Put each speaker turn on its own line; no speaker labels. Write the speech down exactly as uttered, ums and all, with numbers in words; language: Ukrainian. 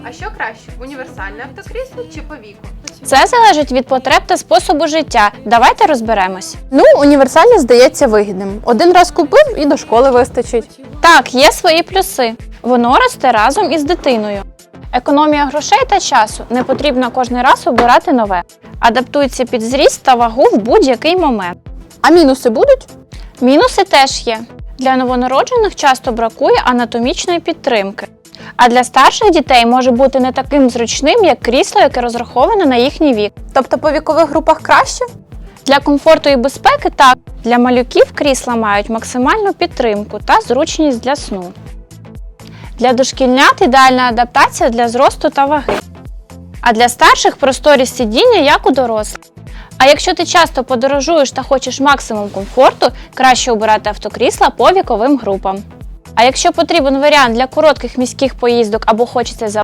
А що краще, універсальне автокрісло чи по віку?
Це залежить від потреб та способу життя. Давайте розберемось.
Ну, універсальне здається вигідним. Один раз купив і до школи вистачить.
Так, є свої плюси. Воно росте разом із дитиною. Економія грошей та часу, не потрібно кожен раз обирати нове. Адаптується під зріст та вагу в будь-який момент.
А мінуси будуть?
Мінуси теж є. Для новонароджених часто бракує анатомічної підтримки. А для старших дітей може бути не таким зручним, як крісло, яке розраховане на їхній вік.
Тобто по вікових групах краще?
Для комфорту і безпеки – так. Для малюків крісла мають максимальну підтримку та зручність для сну. Для дошкільнят ідеальна адаптація для зросту та ваги. А для старших – просторі сидіння, як у дорослих. А якщо ти часто подорожуєш та хочеш максимум комфорту, краще обирати автокрісла по віковим групам. А якщо потрібен варіант для коротких міських поїздок або хочеться за